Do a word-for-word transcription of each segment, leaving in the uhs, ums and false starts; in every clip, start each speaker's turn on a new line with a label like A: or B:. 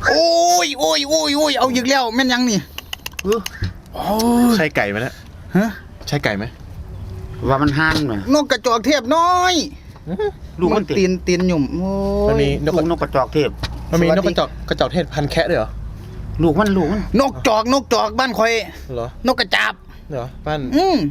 A: โอ้ยโอ้ยโอ้ยโอ้ยเอาอีกแล้วแม่นยังนี่
B: ใช่ไก่ไหมเนี่ย
A: ฮะ
B: ใช่ไก่ไหม
C: ว่ามันห่างไหม
A: นกกระจอกเทพน้อย
C: ลูกมัน
A: ตีนตีนหยุ่มโอ้
B: มันมี
C: นกนกกระจอกเทพ
B: มันมีนกกระจอกกระจอกเทศพันแคะด้วยเหรอ
C: ลูกมันลูกมัน
A: นกจอกนกจอกบ้านคอย
B: เหรอน
A: กกระจาบ
B: เหรอบ้าน
A: อืม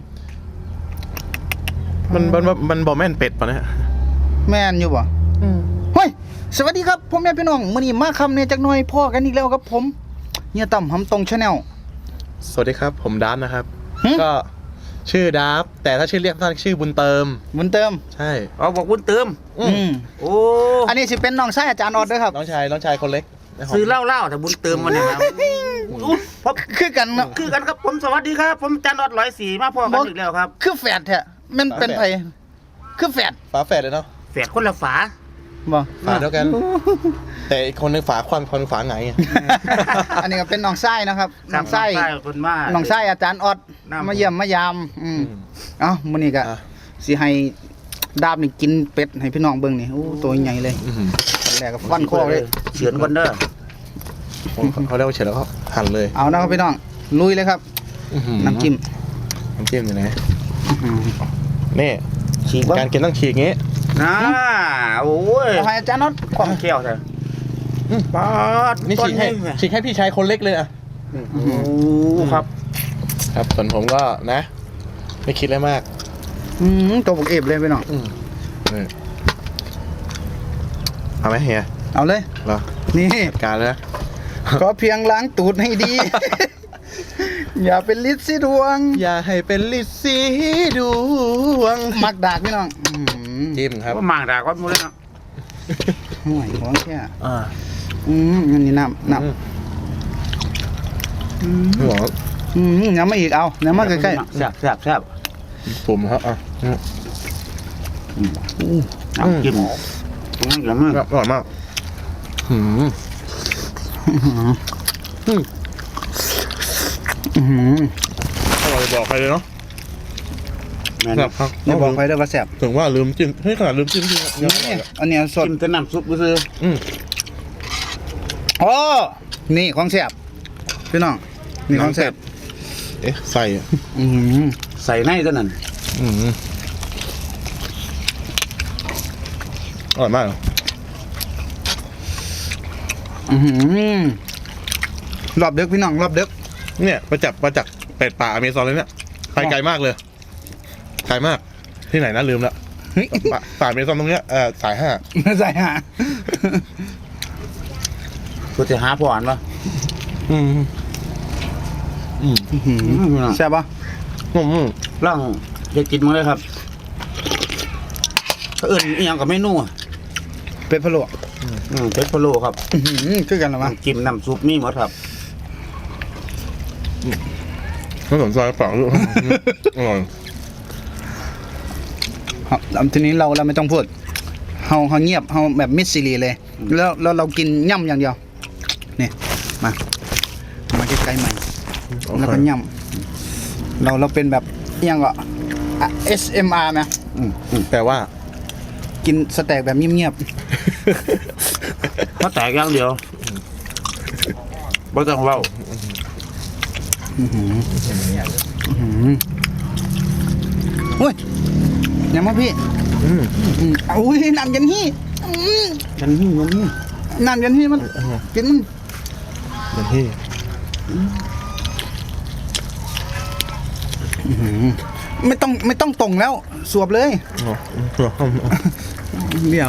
B: มันมันมันบอแม่นเป็ดป่ะเนี่ย
A: แม่นอยู่ป่ะเฮ้ยสวัสดีครับพ่อแม่พี่น้องมื้อนี้มาคำเนี่ยจักหน่อยพ่อกันอีกแล้วครับผมเฮียต่ำหำตรงชาแนล
B: สวัสดีครับผมดาฟนะครับก็ชื่อดาฟแต่ถ้าชื่อเรียกสั้นชื่อบุญเติม
A: บุญเติม
B: ใช่
C: อ๋อบอกบุญเติม
A: อืม
C: โอ้
A: อันนี้สิเป็นน้องชายอาจารย์ออดด้วยครับ
B: น้องชายน้องชายคนเล็ก
C: ซื้อเหล้าเหล้าแต่บุญเติมมันเนี่ยครับ
A: เพราะคือกันเนาะ
C: คือกันครับผมสวัสดีครับผมอาจารย์ออดร้อยสี่มาพ่อกันอีกแล้วครับ
A: คือแฝดแท้มันเป็นไผคือแฝด
B: ฝาแฝดเลยเนาะ
C: แฝดคนละฝา
A: บ่
B: ฝาเดียวกันแต่อีกคนนึงฝาควันคนฝาไง
A: อันนี้ก็เป็นน้องไส้นะครับน้องไส้
C: คนมา
A: น้องไส้อาจารย์ออดมาเยี่ยมมายามอืมเอ้ามื้อนี้ก็สิให้ดาบนี่กินเป็ดให้พี่น้องเบิ่งนี่โอ้ตัวใหญ่เลยแรกก็ฟันคอเลย
C: เฉือนคนเด้อ
B: เขาเรียกว่าเฉือนแล้วก็หั่นเลย
A: เอานะครับพี่น้องลุยเลยครับน้ำจิ้ม
B: น้ำจิ้มอยู่ไหนนี่
C: ฉีก
B: การกินต้องฉีกงี้
C: น่าโอ้ย
A: ให้อาจารย์น็อต
C: ความเขี้ยวเถอะ
B: ป๊าดนี่ฉีกให้ฉีกให้พี่ชายคนเล็กเลยอ่ะ
C: โอ้ครับ
B: ครับส่วนผมก็นะไม่คิดอะไรมาก
A: อืมตัวผมเอฟเลยพี่น้อง
B: เอาไหมเฮีย
A: เอาเลย
B: เหรอ
A: นี่
B: การเลย
A: ก็เพียงล้างตูดให้ดีอย่าเป็นลิซซี่ดวง
B: อย่าให้เป็นลิซซี่ดวง
A: มักดากพี่น้อง
B: จิ้มครับ
C: ว่ามักดากก็มูเลยเนาะ
A: ห่วยของแค่
B: อ่า
A: อืมอันนี้น้ำน้ำอืมอืมน้ำมาอีกเอาน้ำมาใกล้ๆ
C: แซ่บแซ่บแซ่บ
B: ผมครับอ่ะ
C: น้ำจิ้มอร่อยมาก
B: อร่อยมากหืมอืมอืมอร่อยบอกใครเลยเนาะ
A: แซ่บครับอย่าบอกใครเลยว่าแซ่บ
B: ถึงว่าลืมจิ้มให้ขนาดลืมจิ้มจริง
A: อันนี้สด
C: จิ้มแต่น้ำซุปก็คือ
B: อืม
A: โอ้นี่ของแซ่บพี่น้องนี่ของแซ่บ
B: เอ๊ะใส่
C: อืมใส่ในตัวนั้น
B: อืมอร่อยมาก
A: อืมรอบเด็กพี่น้องรอบเด็ก
B: เนี่ยมาจับมาจากเป็ดป่าอเมซอนเลยเนี่ยไปไกลมากเลยไกลมากที่ไหนนะลืมแล้วป่าอเมซอนตรงเนี้ยเออสายห้า
A: สายห้า
C: กูจะหาผ่อนปะ
B: อืมอืม
A: ใช่ปะ
B: อืม
C: ร่างจะกินมั้งเลยครับก็เอิญอีกอย่างกับเมนู
A: เป็ดพะโล้
C: เป็ดพะโล้ครับ
A: คือกันหรือมั้ง
C: จิ้มน้ำซุปนี่หมดครับ
B: ไม่สนใจเปล่าลูกอร่อย
A: ครับทีนี้เราเราไม่ต้องพูดเฮาเฮาเงียบเฮาแบบมิดซีรีเลยแล้วแล้วเรากินย่ำอย่างเดียวนี่มามาใกล้ๆใหม่แล้วก็ย่ำเราเราเป็นแบบยังก็ เอส เอ็ม อาร์ นะ
B: แต่ว่า
A: กินสแต็กแบบเงียบ
C: ๆเพราะแตกอย่างเดียวไม่ต้องเล่า
A: โอ้ยยังมาพี่อุ้ยน้ำยันฮี่
C: ยันฮี่ยันฮี่
A: น้ำยันฮี่มันกินมัน
B: ยันฮี่
A: ไม่ต้องไม่ต้องตรงแล้วสวบเลยเดี๋ยว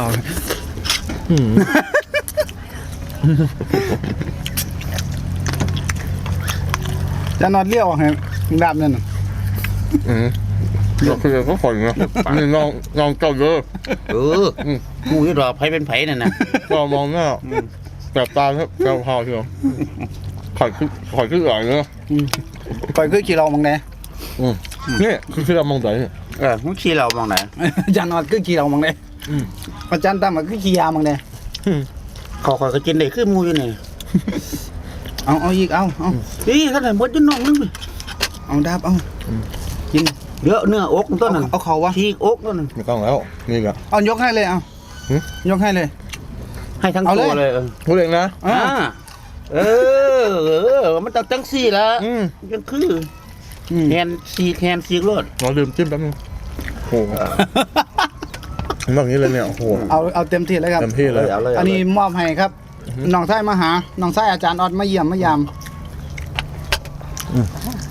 A: จะนอนเลี้ยวไงแบบนั้น
B: อืมเราคือก็ฝนนะนี่ลองลองเจ้าเยอะ
C: เออมูที่รอไผ่เป็นไผ่นั่นนะ
B: ก็มองหน้าแต่ตาครับแก้วพาวเชียวข่อยคือข่อยคืออะไรเนาะ
A: ข่อยคือขี่เรามองไหน
B: นี่คือขี่เรามองไหน
C: เออมึงขี่เรามองไหน
A: อาจารย์นอนคือขี่เรามองไหนอาจารย์ตามมาคือขี่ยามองไหน
C: ขอขอก็กินได้คือมูอยู่นี่
A: เอาเอาอีกเอาเอา
C: นี่ขนาดมดจนน้องนึง
A: เอาดาบเอากิน
C: เยอะเนื้ออกต้นนั้น
A: เอาเขาวะ
C: ทีอกต้นนั้น
B: ไม่ต้องแล้วนี่ก็
A: เอายกให้เลยเอายกให้เลย
C: ให้ทั้งตัวเลย
B: พูดเองนะ
A: อ่า
C: เออเออมันต้องจังซี่ละ
B: อืม
C: ยังคือ
A: อืม
C: แฮนซีแฮนซีรถ
B: เราลืมจิ้มแป๊บนึงโอ้โหแบบนี้เลยเนี่ยโอ้โห
A: เอาเอาเต็มที่เลยครับ
B: เต็มที่เลย
C: เอาเลย
A: อันนี้มอบให้ครับน้องชายมาหาน้องชายอาจารย์ออดมาเยี่ยมมายาม
B: อื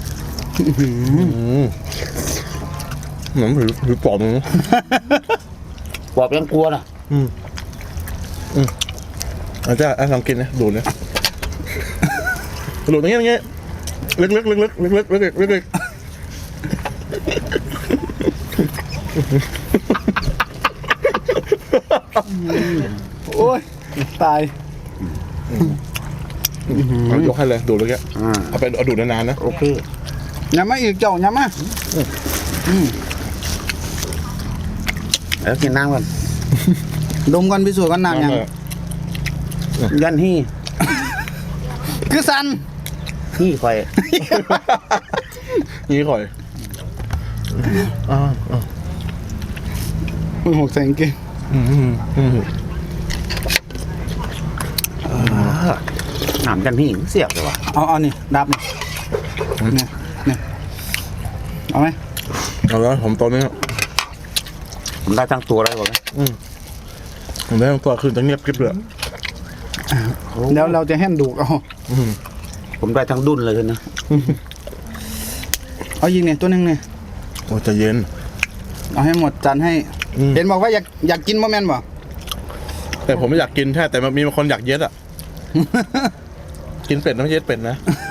B: มเหมือนถือถือปอบมึง
C: ปอบยังกลัวนะ
B: อืมอืมอาจารย์อ่ะลองกินนะดูดนะดูดตรงนี้ตรงนี้ลึกลึกลึกลึกลึกลึกลึกลึกลึก
A: โอ้ยตาย
B: เอายกให้เลยดูดเลยแก
C: อ่า
B: เอาไปเอาดูดนานๆนะ
C: โอเค
A: อย่ามาอีกเจ้าอย่ามาอืม
C: แล้วกินน้ำกัน
A: ดมกันพิสูจน์กันนานยัง
C: ยันฮี่
A: คือสัน
C: ฮี่คอย
B: นี่ข่อยอ่าอ่า
A: มึงหกแสงเก่ง
B: อืมอืมอืม
C: น้ำยันฮี่เสียบเลยว่ะ
A: เอาเอานี่ดับนี่เนี่ยเนี่ยเอาไหม
B: เอาแล้วผมตอนนี้
C: ผมได้ทั้งตัวเลยบอกไหม
B: อืมผมได้ตัวคืนจะเงียบกริบเลย
A: แล้วเราจะแห่นดูกเอา
B: อืม
C: ผมได้ทั้งดุนเลยนะ
A: เอายิงเนี่ยตัวหนึงเนี่ย
B: โอ้ใจะเย็น
A: เอาให้หมดจานให้
B: อืม
A: เห็นบอกว่าอยากอยากกินโมเมนต์บ่
B: แต่ผมไม่อยากกินแค่แต่มันมีบางคนอยากเย็ดอ่ะ กินเป็ดต้องเย็ดเป็ดนะ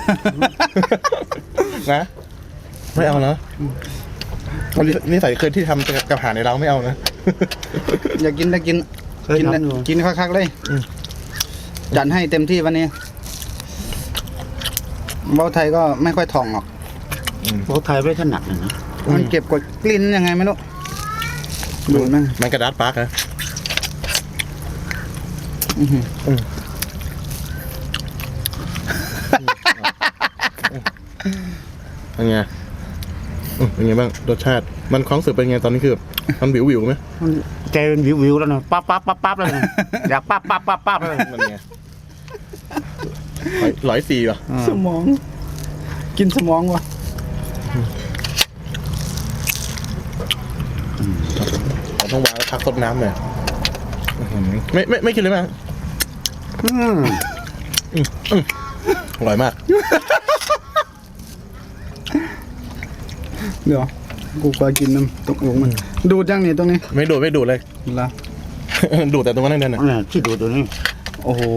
B: นะไม่เอานะนี่ใส่เคยที่ทำกับอาหารในเราไม่เอานะ
A: อยากกินได้กิน
C: เคย
A: กิน
C: ทำอยู่
A: กินคักๆเลย
B: อืม
A: จัดให้เต็มที่วันนี้เบาไทยก็ไม่ค่อยถ่องหรอก
C: เขาไทยไม่ถนัดเลยนะ
A: มันเก็บกดกลิ่นยังไงไม่รู้ดูดมั้ง
B: มันกระดาษปาร์กนะ
A: อื้อหือ
B: อืมเป็นไงอืมเป็นไงบ้างรสชาติมันความรู้สึกเป็นไงตอนนี้คือแบบมันวิววิวๆไหม
C: มันใจเป็นวิววิวๆแล้วนะปั๊บปั๊บปั๊บปั๊บเลยนะอยากปั๊บปั๊บปั๊บปั๊บเลย
B: มันไงร้อยร้อยสี่ป่ะ
A: สมอง กินสมองวะ
B: เราต้องวางแล้วพักซดน้ำหน่อยอื้อหือไม่ไม่ไม่กินเลยมั้ย
C: อืม
B: อร่อยมาก
A: เดี๋ยวกูก็กินน้ำตกลงมัน ดูดจังนี่ตรงนี้
B: ไม่ดูดไม่ดูดเลย
A: ละ
B: ดูดแต่ตรงนั้นนั่นน่ะ
C: เนี่ยที่ดูตัวนี้
A: โอ้โห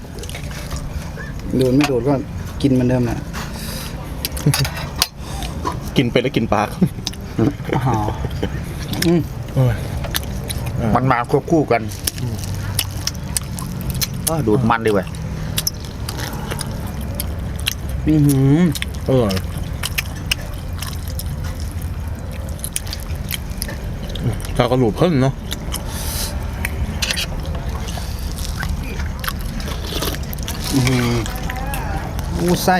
A: ดูดไม่ดูดก็กินเหมือนเดิมแหละ
B: กินเป็ดแล้วกินปลา
A: อ๋ออืม
B: โอ้ย
C: มันมาควบคู่กันอ้าวดูดมันดีเว้ย
A: อื้อหือ
B: อร่อยข้าวกระดูกเพิ่มเนาะ
A: อื้อหืออู้ไส้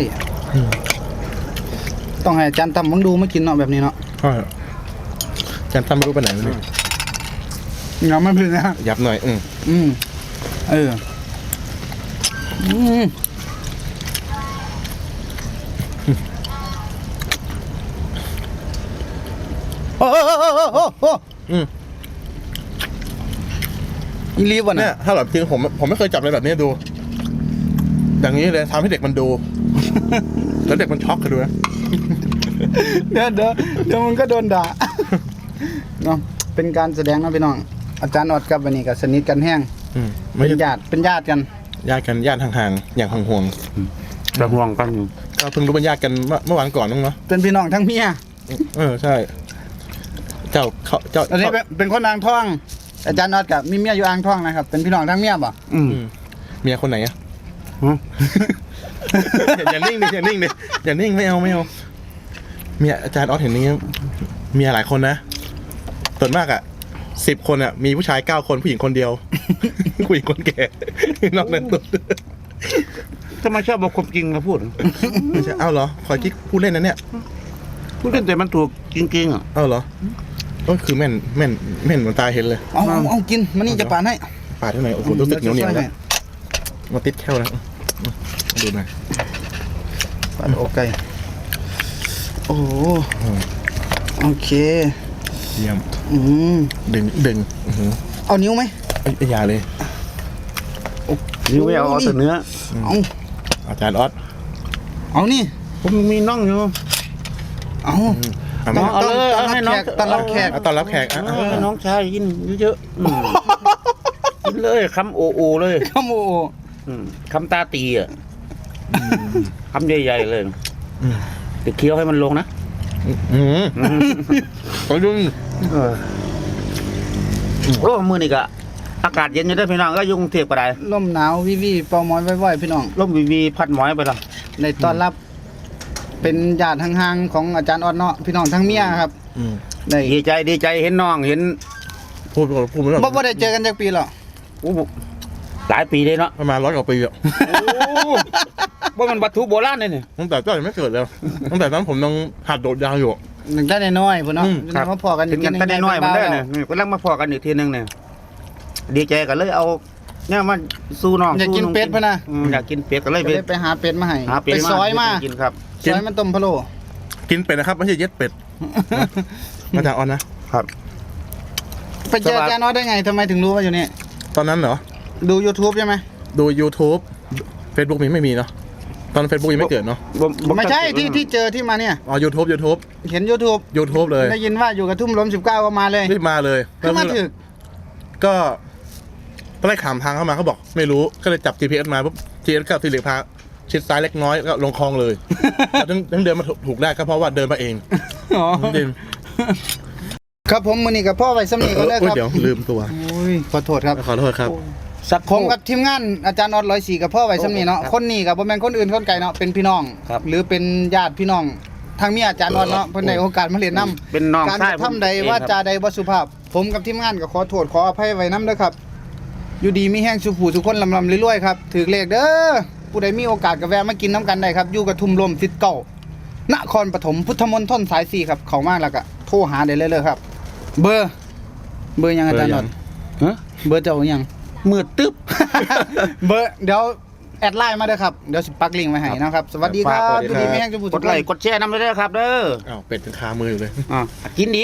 A: ต้องให้อาจารย์ทำมึงดูไม่กินเนาะแบบนี้เนาะ
B: ใช่จานตั้มไม่รู้ไปไหนวะเนี่ย
A: เงาไม่พึ่งนะ
B: ยับหน่อยอืม
A: อืมเอออืมโอ้โหโอ้โหโอ้โหโอ้โห
B: อืม
A: อีลีฟวะ
B: เนี่
A: เนี่ย ย
B: ถ้าแบบจริงผมผมไม่เคยจับอะไรแบบนี้ดู อย่างนี้เลยทำให้เด็กมันดู แล้วเด็กมันช็อกกันดูนะ
A: เดี๋ยวเดี๋ยวเดี๋ยวมันก็โดนด่าเนาะเป็นการแสดงเนาะพี่น้อง อาจารย์ออดกับวันนี้ก็สนิทกันแห้ง
B: อืมไม่
A: เป็น
B: ใช่
A: ญาติเป็นญาติกัน
B: ญาติกันญาติห่างๆอย่างห่วง
C: จะห่วงกันอยู่
B: ๆก็เพิ่งรู้เป็นญาติกันเมื่อเมื่อวานก่อนมั้งเนาะ
A: เป็นพี่น้องทั้งเมีย
B: เออใช่ เจ้าเขาเจ้า
A: อันนี้เป็นเป็นคนอ่างทอง อาจารย์ออดกับมีเมียอยู่อ่างทองนะครับ เป็นพี่น้องทั้งเมียบ่
C: อืม
B: อืมเมียคนไหนอะ
C: ฮะ
B: อย่าอย่านิ่งดิอย่านิ่งดิอย่านิ่งไม่เอาไม่เอาเมียอาจารย์ออสเห็นนี้เมียหลายคนนะส่วนมากอะสิบคนอะมีผู้ชายเก้าคนผู้หญิงคนเดียว ผู้หญิงคนแก่นอกนั้นตุ๊ด
C: ทำไมชอบบอกความจริงมาพูด
B: ไม่ใช่เอ้าเหรอขอกิ๊กพูดเล่นนะเนี่ย
C: พูดเล่นแต่มันถูกจริงๆอ่ะ
B: เอ้าเหรอก็คือแม่นแม่นแม่นเหมือนตาเห็นเลย
A: เอาเอาเอากินมานี่จะปาดให้
B: ปาดที่ไหนโอ้โหรู้สึกเหนียวเหนียวแล้วมาติดแค่วแล้วดูหน่อย
A: ปลาอกไก่โอ้โหโอเค
B: เยี่ยม
A: อืม
B: ดึงดึงอื้อหือ
A: เอานิ้วไหม
B: เอ้ยอย่าเลย
C: นี่ไม่เอาเอาแต่เนื้อ
A: เอา
B: อาจารย์ออส
A: เอานี่
C: ผมมีน่องอยู่
A: เอา
B: เอา
A: ต้
B: มา
A: อง
C: เอาเลย
A: ต้อน
C: เอาให้
A: รับ
C: น้
A: แข
C: อง
A: กต้อนรับแขก
B: เอาตอนรับแขกอ่ะ
C: เอ
B: อ่ะ
C: อให้น้องชายกินเยอะๆอืมกินเลยคำโอโอเลย
A: ข้าวหมู
C: อืมคำตาตีอ่ะคำใหญ่ๆเลย
B: อืม
C: ติดเคี้ยวให้มันลงนะ
B: อืมก็ยุ่ง
C: เออโอ้มือนี่ก็อากาศเย็นอยู่ได้อพี่น้องก็อยุ่กรุงเทพก็ได้
A: ลมหนาววิวีเป่าหมอยไว้ๆพี่น้อง
C: ร่มวีวีพัดหมอยไปละ
A: ในต้อนรับ เป็นญาติห่างๆของอาจารย์ออดเนาะพี่น้องทั้งเมียครับ
B: อืม
A: ได้
C: ดีใจดีใจเห็นน้องเห็น
B: พูดไปก่อนพูดไปก่อน
A: บ่บ่ได้เจอกันจากปีหรอก
C: โอ้หลายปีเลยเนาะ
B: ประมาณร้อยกว่าปีอ่ะ
C: โอ้ว่ามันวัตถุโบราณเลยเนี่ย
B: ตั้งแต่ก็ยังไม่เกิดเลยตั้งแต่นั้นผมยังหัดโดดยาวอยู่
A: หนึ่งได้น้อยๆพุ่นเนาะ
B: อืม
A: เรามาพอกัน
C: ถึงกันแต่น้อยๆมันได้เนี่ยนี่กำลังมาพอกันอีกทีนึงเนี่ยดีใจกันเลยเอาเนี่ยมาสู้น้อง
A: อยากกิน
C: สู้
A: เป็ดพุ่นน่ะ
C: อืมอยากกินเป็ดก็เลย
A: ก็
C: ไป
A: เลยไปหาเป็ดมาให้
C: หาเป็ด
A: ไปซอยมา
C: กินครับ
A: ซอยมันต้มพะโล้
B: กินเป็ดนะครับไม่ใช่เย็ดเป็ดอาจารย์ออสนะ
C: ครับ
A: ไปเจออาจารย์ออดได้ไงทำไมถึงรู้ว่าอยู่นี่
B: ตอนนั้นเหรอ
A: ดู YouTube ใช่ไหม
B: ดู YouTube Facebook มีไม่มีเนาะตอน Facebook ยังไม่เกิดเนาะ
C: บ่บ่
A: ไม่ใช่ที่ที่เจอที่มาเนี่ย
B: อ๋อ YouTube YouTube
A: เห็น YouTube
B: YouTube เลย
A: ได้ยินว่าอยู่กับทุ่มล้มสิบเก้าก็มาเลย
B: รีบมาเลย
A: ขึ้นมาถึก
B: ก็ตอนแรกขามทางเข้ามาเขาบอก ไม่รู้ก็เลยจับ จี พี เอส มาปุ๊บ จี พี เอส ก็สีเหลืองพาชิดซ้ายเล็กน้อยก็ลงคลองเลยแต่ถึงถึงเดินมาถูกได้ก็เพราะว่าเดินมาเอง
A: อ๋อ
B: จริง
A: ครับผมมื้อนี้กับพ่อไว้สำนีก็เลย
B: โอ้
A: ค
B: ย
A: รับ
B: เดี๋ยวลืมตัว
A: โอ้ยขอโทษครับ
B: ขอโทษครับ
C: สัก
A: ผมกับทีมงานอาจารย์ออดร้อยสี่กับพ่อไว้สำนีเนาะคนนี้กับบ่แม่นคนอื่นคนไกลเนาะเป็นพี่น้อง
C: ครับ
A: หรือเป็นญาติพี่น้องทางเมียอาจารย์ออดเนาะเพิ่นได้โอกาสมาเรียนนํ
C: เป็นน้อง
A: การ
C: ชาย
A: กระทำใดว่าจาใดบ่สุภาพ ผมกับทีมงานก็ขอโทษขออภัยไว้นํเด้อครับ อยู่ดีมีแห้งสุขูทุกคนลำลำรวยๆครับถือเลขเด้อผู้ใดมีโอกาสก็แวะมากินน้ำกันได้ครับอยู่กับทุ่มลมสิทธิ์เก่านครปฐมพุทธมณฑลสายสี่ครับเข้ามาแล้วก็โทรหาได้เลยเลยครับ เบอร์ เบอร์ยังอาจารย์นนท์
C: ฮะ
A: เบอร์เจ้ายัง
C: มืดตึ๊บ
A: เบอร์เดี๋ยวแอดไลน์มาเด้อครับเดี๋ยวสิปักลิงก์ไว้ให้นะครับ สวัสดีครับ
C: ฝาก
A: อยู่ดีมีแห้งสุขู
C: ก
A: ทุ
C: ด
A: กค
C: ไล
A: น
C: ค์กดแชร์นำไปด้วยครับเด้อ
B: อ้าวเป็ดถึงคามืออยู่เลย
C: อ่ากินดี